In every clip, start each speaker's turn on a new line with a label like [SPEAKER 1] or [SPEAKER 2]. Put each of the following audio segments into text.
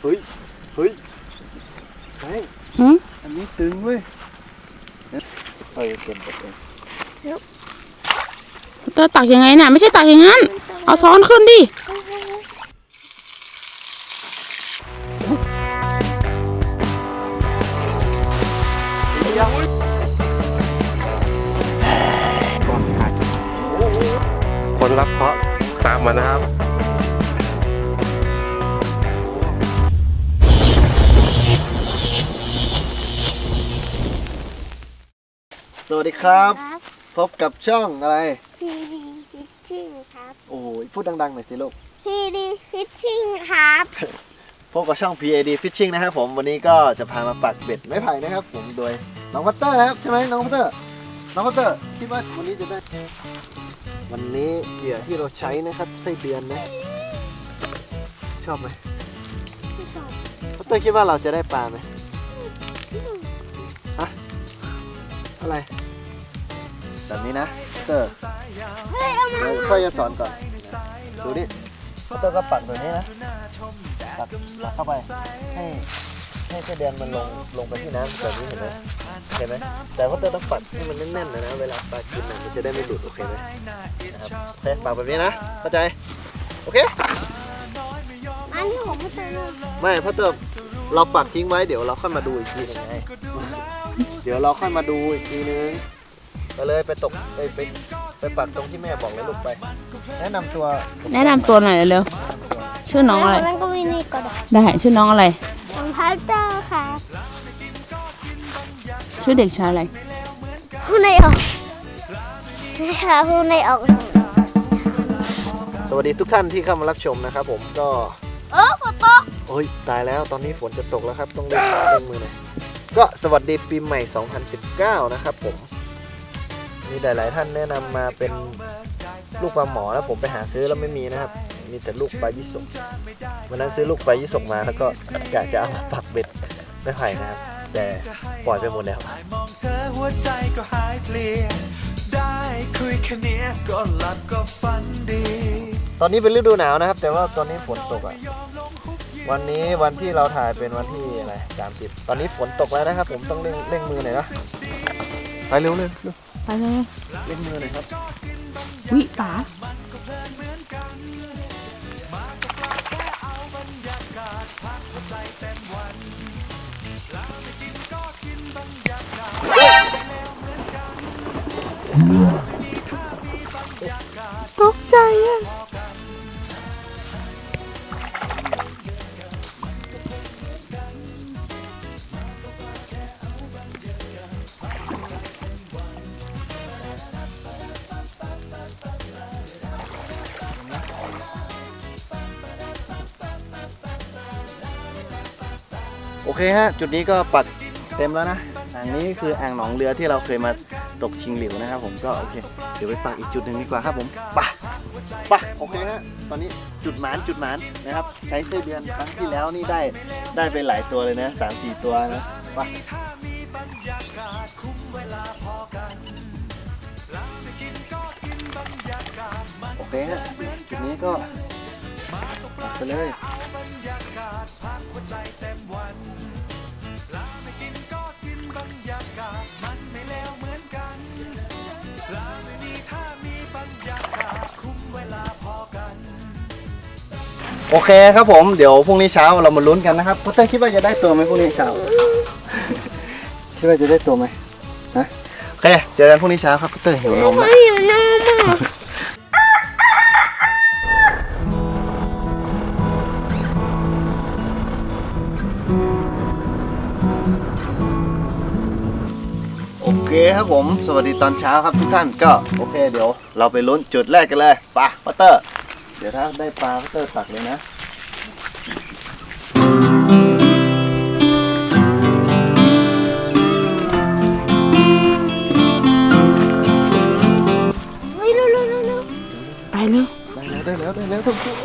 [SPEAKER 1] เฮ้ยเฮ้ยอันนี้ตึงเว้ยเฮ้ยเก็บหมดเลย
[SPEAKER 2] เตอตักยังไงน่ะไม่ใช่ตักอย่างนั้นเอาซ้อนขึ้นดิ
[SPEAKER 3] คนรับเคราะห์ตามมานะครับ
[SPEAKER 1] สวัสดีครับพบกับช่องอะไร
[SPEAKER 4] PD Fishing ครับ
[SPEAKER 1] โอ้ยพูดดังๆหน่อยสิลูก
[SPEAKER 4] PD Fishing ครับ
[SPEAKER 1] พบกับช่อง PAD Fishing นะครับผมวันนี้ก็จะพามาปักเบ็ดไม้ไผ่นะครับผมโดยน้องพัตเตอร์นะครับใช่ไหมน้องพัตเตอร์คิดว่าวันนี้จะได้วันนี้เหยื่อที่เราใช้นะครับไส้เดือนนะชอบไหม
[SPEAKER 4] ไม่ชอบ
[SPEAKER 1] พัตเตอร์คิดว่าเราจะได้ปลาไหมฮะอะไรแบบนี้นะพัตเตอร์
[SPEAKER 4] เฮ้ยเอามา
[SPEAKER 1] เดี๋ยวค่อยจะสอนก่อนดูดิพัตเตอร์ก็ปักแบบนี้นะปักเข้าไปให้ไส้เดือนมันลงไปที่น้ำแบบนี้เห็นไหมแต่ว่าต้องปัดให้มันแน่นๆนะเวลาปลากินมันจะได้ไม่หลุดโอเคไหมนะครับโอเคปักแบบนี้นะเข้าใจโอเค
[SPEAKER 4] อันนี้ผมไม่เจอเลย
[SPEAKER 1] ไม่เพราะเติมเราปักทิ้งไว้เดี๋ยวเราค่อยมาดูอีกทีนึงไงเดี๋ยวเราค่อยมาดูอีกทีนึงไปเลยไปตกไปปักตรงที่แม่บอกเลยลูกไปแนะนำตัว
[SPEAKER 2] แนะนำตัวหน่อยเร็วชื่อน้องอะไร
[SPEAKER 4] แล้วก็วินี่ก็ได้
[SPEAKER 2] ได้ชื่อน้องอะไร
[SPEAKER 4] ผมพัตเตอร์ครับ
[SPEAKER 2] ชื่อเด็กชายอะไร
[SPEAKER 4] ผู้ในออกนี่ค่ะผู้ในออก
[SPEAKER 1] สวัสดีทุกท่านที่เข้ามารับชมนะครับผมก็
[SPEAKER 4] ฝนตก
[SPEAKER 1] โอ้ยตายแล้วตอนนี้ฝนจะตกแล้วครับต้องเล่นมือหน่อยก็สวัสดีปีใหม่ 2019 นะครับผมมีหลายๆท่านแนะนำมาเป็นลูกปลาหมอแล้วผมไปหาซื้อแล้วไม่มีนะครับมีแต่ลูกปลายี่สกวันนั้นซื้อลูกปลายี่สกมาแล้วก็กะจะเอามาปักเบ็ดไม่ไผ่นะครับแต่ปล่อยไปหมดแล้ว
[SPEAKER 5] มองเธอหัวใจก็หายเพลียได้คุยแค่นี้ก็หลับก็ฝันดี
[SPEAKER 1] ตอนนี้เป็นฤดูหนาวนะครับแต่ว่าตอนนี้ฝนตกอ่ะวันนี้วันที่เราถ่ายเป็นวันที่อะไร30ตอนนี้ฝนตกแล้วนะครับผมต้องเร่งมือหน่อยนะไปเร็ว
[SPEAKER 2] ไปเลย
[SPEAKER 1] เร่งมือหน่อยครับ
[SPEAKER 2] วิตาตกใจอ่ะ
[SPEAKER 1] โอเคฮะจุดนี้ก็ปักเต็มแล้วนะอ่างนี้คืออ่างหนองเรือที่เราเคยมาตกชิงหลิวนะครับผมก็โอเคเดี๋ยวไปปักอีกจุดหนึ่งดีกว่าครับผมไปโอเคฮะตอนนี้จุดหมานนะครับใช้ไส้เดือนครั้งที่แล้วนี่ได้ไปหลายตัวเลยนะ3-4 ตัวนะไปโอเคฮะจุดนี้ก็ปักไปเลยโอเคครับผมเดี๋ยวพรุ่งนี้เช้าเรามาลุ้นกันนะครับพัตเตอร์คิดว่าจะได้ตัวไหมพรุ่งนี้เช้า คิดว่าจะได้ตัวไหมนะโอเคเจอกันพรุ่งนี้เช้าครับพัตเตอร์หิวนมแล้ว
[SPEAKER 4] หิวนมอ่ะ
[SPEAKER 1] โอเคครับผมสวัสดีตอนเช้าครับทุกท่านก็โอเคเดี๋ยวเราไปลุ้นจุดแรกกันเลยไปพัตเตอร์เดี๋ยวถ้าได้ปลาพัตเตอร์ตักเลยนะ
[SPEAKER 4] เฮ้ยเร็ว
[SPEAKER 2] ไปเร็ว
[SPEAKER 1] ได้แล้วทุกคน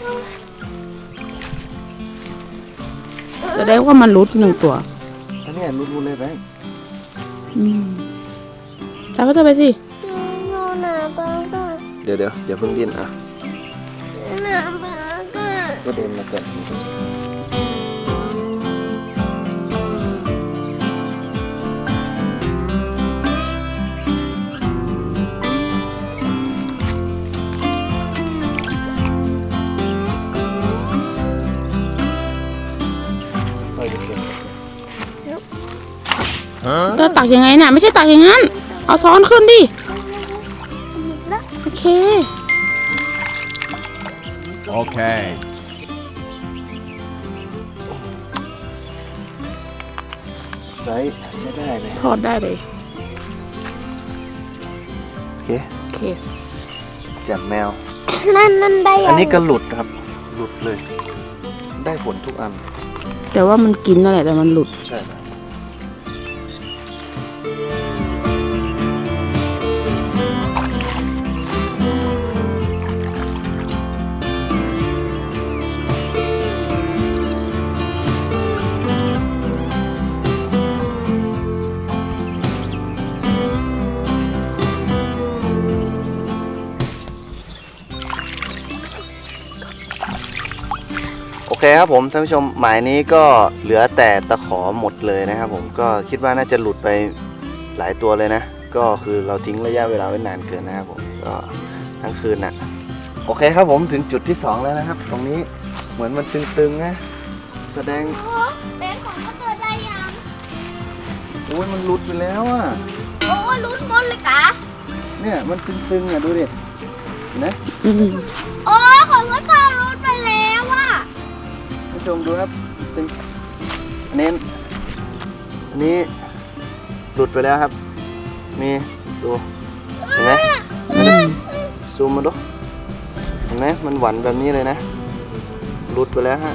[SPEAKER 2] แสดงว่ามันรุด1 ตัว
[SPEAKER 1] อันนี้ลุ้นเลยไป
[SPEAKER 2] แล้วก็จะไปสิ
[SPEAKER 4] โน่นาบ้าก็
[SPEAKER 1] เดี๋ยวอย่าเพิ่งดิ้นอ่ะ
[SPEAKER 4] นาบ้าก็
[SPEAKER 1] ก็เดินมาก่อน
[SPEAKER 2] ก็ตักยังไงน่ะไม่ใช่ตักอย่างนั้นเอาซ้อนขึ้นดิโอเค
[SPEAKER 6] Okay.
[SPEAKER 1] ใช้ได้เลย
[SPEAKER 2] ทอดได้เลย
[SPEAKER 1] โอเค
[SPEAKER 2] โอเค
[SPEAKER 1] จับแมว
[SPEAKER 4] นั่นได้
[SPEAKER 1] อันนี้ก็หลุดครับ หลุดเลย ได้ผลทุกอัน
[SPEAKER 2] แต่ว่ามันกินนั่นแหละแต่มันหลุด
[SPEAKER 1] ใช่ครับโอเคครับผมท่านผู้ชมหมายนี้ก็เหลือแต่ตะขอหมดเลยนะครับผมก็คิดว่าน่าจะหลุดไปหลายตัวเลยนะ ก็คือเราทิ้งระยะเวลาไว้นานเกินนะครับผมก็ทั้งคืนน่ะโอเคครับผมถึงจุดที่ 2 แล้วนะครับ ตรงนี้เหมือนมันตึงๆนะแสดง
[SPEAKER 4] แบงของก็เจอได้ยัง
[SPEAKER 1] โอ้ยมันหลุดไปแล้วอ่ะ
[SPEAKER 4] โอ้ลุ้นหมดเลยกะ
[SPEAKER 1] เนี่ยมันตึงๆอ่ะดูดิเห็นไหม
[SPEAKER 2] อืม
[SPEAKER 4] โอ้ของก็เจอลุ้นไปแล้วอ่ะ
[SPEAKER 1] ท่านผู้ชมดูครับตึงอันนี้หลุดไปแล้วครับมีดูเห็นไหม
[SPEAKER 2] อืม
[SPEAKER 1] ซูมมาดูเห็นไหมมันหวานแบบนี้เลยนะหลุดไปแล้วฮะ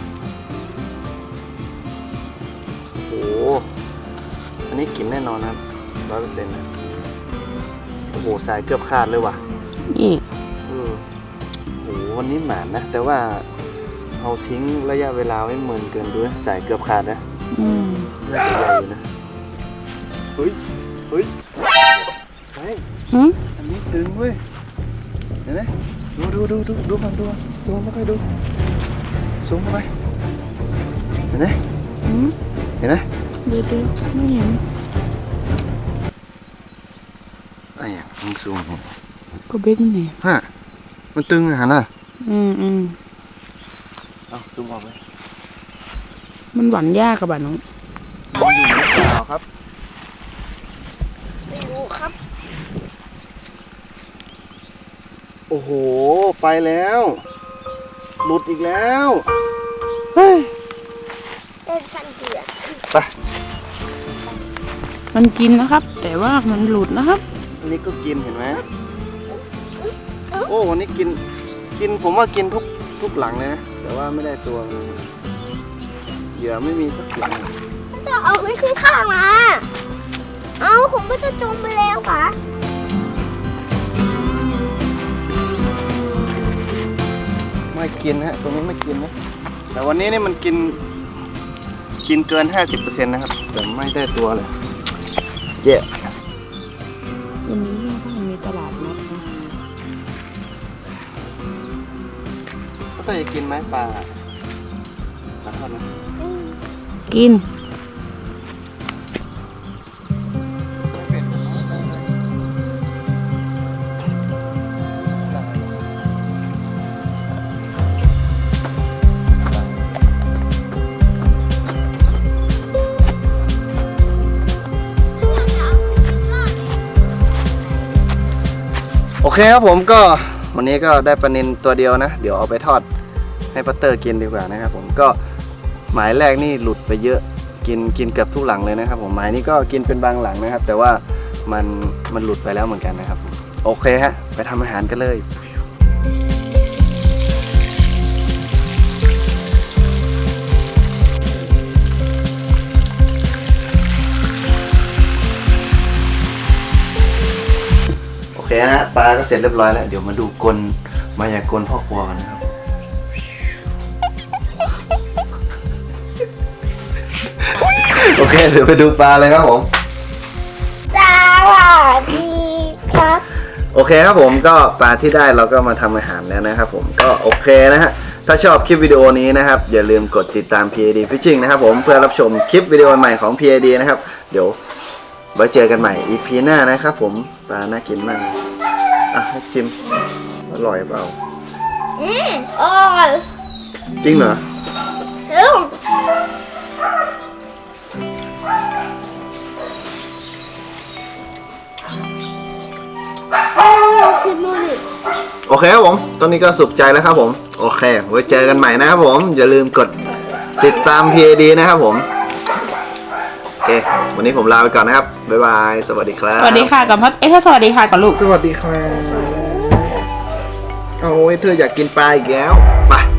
[SPEAKER 1] โอ้โหอันนี้กินแน่นอนครับ100%นะโอ้โหสายเกือบขาดเลยว่ะ
[SPEAKER 2] นี่
[SPEAKER 1] โอ้โหวันนี้หมานนะ แต่ว่าเอาทิ้งระยะเวลาไว้เหมือนเกินด้วยสายเกือบขาดนะ
[SPEAKER 2] อืม
[SPEAKER 1] น่าจะใหญ่อยู่นะเฮ้ยเฮ้ยเฮ้ย
[SPEAKER 2] หืม
[SPEAKER 1] อันนี้ตึงเว้ยเห็นไหมดูก่อนซูมเข้าไปดูซูมเข้าไปเห็นไหม
[SPEAKER 2] หืม
[SPEAKER 1] เห็นไหม
[SPEAKER 2] ดูไม่เห็น
[SPEAKER 1] ไอ้ยังมึงซูมเนี่ย
[SPEAKER 2] ก็เบ็ดนี่ไง
[SPEAKER 1] ฮะมันตึงอะฮะน่ะ
[SPEAKER 2] อืม
[SPEAKER 1] เอาซูมออกเลย
[SPEAKER 2] มันหวานยากกับบ้านน้อง
[SPEAKER 1] มันอยู่หรือเปล่าครับ
[SPEAKER 4] ไม่รู้ครับ
[SPEAKER 1] โอ้โหไปแล้วหลุดอีกแล้วเฮ้ย
[SPEAKER 4] เป็นสันเดือด
[SPEAKER 1] ไป
[SPEAKER 2] มันกินนะครับ แต่ว่ามันหลุดนะครับ
[SPEAKER 1] อันนี้ก็กินเห็นไหมโอ้วันนี้กินผมว่ากินทุกหลังเลยนะแต่ว่าไม่ได้ตัวเลยเหยื่อไม่มีสักหลัง
[SPEAKER 4] ก็จะเอาไว้ขึ้นข้างมาเอาผมก็จะจมไปแล้วค่ะ
[SPEAKER 1] ไม่กินฮะตรงนี้ไม่กินนะแต่วันนี้นี่มันกินเกิน 50% นะครับแต่ไม่ได้ตัวเลยเย่
[SPEAKER 2] วันนี้ก็มีตลาดนัดนะ
[SPEAKER 1] ก็ต้องจะกินไหมปลาทอดนะ
[SPEAKER 2] กิน
[SPEAKER 1] โอเคครับผมก็วันนี้ก็ได้ปลานิลตัวเดียวนะเดี๋ยวเอาไปทอดให้ปัตเตอร์กินดีกว่านะครับผมก็หมายแรกนี่หลุดไปเยอะกินเกือบทุกหลังเลยนะครับผมหมายนี้ก็กินเป็นบางหลังนะครับ แต่ว่ามันหลุดไปแล้วเหมือนกันนะครับโอเคฮะไปทำอาหารกันเลยโอเคนะปลาก็เสร็จเรียบร้อยแล้วเดี๋ยวมาดูกลมายากลพ่อครัวกันนะครับโอเคเดี๋ยวไปดูปลาเลยครับผม
[SPEAKER 4] สวัสดีครับ
[SPEAKER 1] โอเคครับผมก็ปลาที่ได้เราก็มาทำอาหารแล้วนะครับผมก็โอเคนะฮะถ้าชอบคลิปวิดีโอนี้นะครับอย่าลืมกดติดตาม PAD Fishing นะครับผมเพื่อรับชมคลิปวิดีโอใหม่ของ PAD นะครับเดี๋ยวไว้เจอกันใหม่ EP หน้านะครับผมปลาน่ากินมากอ่ะให้ชิมอร่อยเปล่า
[SPEAKER 4] อร่อย
[SPEAKER 1] จริงเหรอ
[SPEAKER 4] เร็วขึ้นนู่นเลย
[SPEAKER 1] โอเคครับผม ตอนนี้ก็สุขใจแล้วครับผม โอเค ไว้เจอกันใหม่นะครับผม อย่าลืมกดติดตาม PAD นะครับผม โอเค วันนี้ผมลาไปก่อนนะครับ บ๊ายบาย สวัสดีครับ
[SPEAKER 2] สวัสดีค่ะกับพ่อถ้าสวัสดีค่ะกับลูก
[SPEAKER 1] สวัสดีครับ เอาไว้เธออยากกินปลาอีกแล้ว ไป